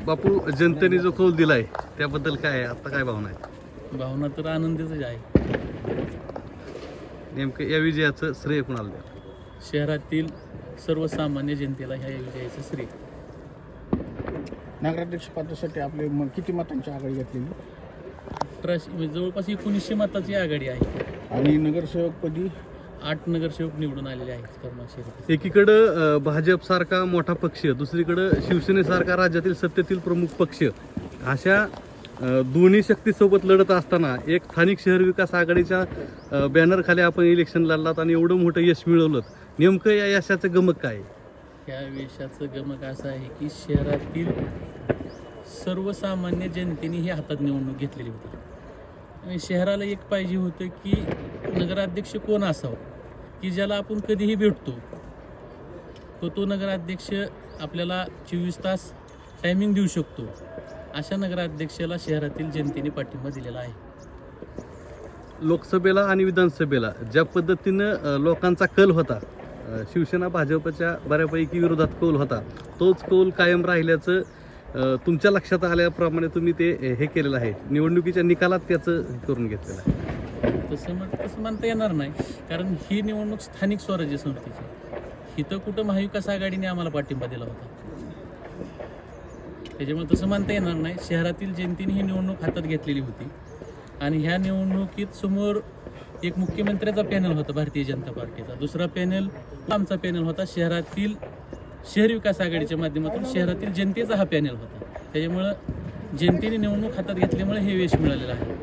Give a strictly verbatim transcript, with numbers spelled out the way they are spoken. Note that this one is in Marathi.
बापू, जनतेने जो कौल दिलाय त्याबद्दल काय आहे, आता काय भावना आहे? भावना तर आनंदीच आहे. नेमकं या विजयाचं श्रेय कुणाला द्या? शहरातील सर्वसामान्य जनतेला ह्या विजयाचं श्रेय. नगराध्यक्ष पदासाठी आपले म- किती मतांची आघाडी घेतलेली अठराशे म्हणजे जवळपास एकोणीसशे मताची आघाडी आहे. आणि नगरसेवकपदी आठ नगरसेवक निवडून आलेले आहेत करमाळ शहरात. एकीकडं भाजप सारखा मोठा पक्ष, दुसरीकडं शिवसेनेसारखा राज्यातील सत्तेतील प्रमुख पक्ष, अशा अ, दोन्ही शक्तीसोबत लढत असताना एक स्थानिक शहर विकास आघाडीच्या बॅनर खाली आपण इलेक्शन लढलात आणि एवढं मोठं यश मिळवलं. नेमकं या यशाचं गमक काय आहे? या वेशाचं गमक असं आहे की शहरातील सर्वसामान्य जनतेने ही हातात निवडणूक घेतलेली होती. आणि शहराला एक पाहिजे होतं की नगराध्यक्ष कोण असावं की ज्याला आपण कधीही भेटतो, तो तो नगराध्यक्ष आपल्याला चोवीस तास टायमिंग देऊ शकतो. अशा नगराध्यक्षाला शहरातील जनतेने पाठिंबा दिलेला आहे. लोकसभेला आणि विधानसभेला ज्या पद्धतीनं अ, लोकांचा कल होता, अ, शिवसेना भाजपच्या बऱ्यापैकी विरोधात कौल होता, तोच कौल कायम राहिल्याचं अ, तुमच्या लक्षात आल्याप्रमाणे तुम्ही ते हे केलेलं आहे, निवडणुकीच्या निकालात त्याचं करून घेतलेलं आहे. तसं म्हण तसं म्हणता येणार नाही, कारण ही निवडणूक स्थानिक स्वराज्य संस्थेची. इथं कुठं महाविकास आघाडीने आम्हाला पाठिंबा दिला होता, त्याच्यामुळे तसं म्हणता येणार नाही. शहरातील जनतेने ही निवडणूक हातात घेतलेली होती आणि ह्या निवडणुकीत समोर एक मुख्यमंत्र्याचा पॅनल होता भारतीय जनता पार्टीचा, दुसरा पॅनल आमचा पॅनल होता शहरातील शहर विकास आघाडीच्या माध्यमातून शहरातील जनतेचा हा पॅनल होता. त्याच्यामुळं जनतेने निवडणूक हातात घेतल्यामुळे हे यश मिळालेलं आहे.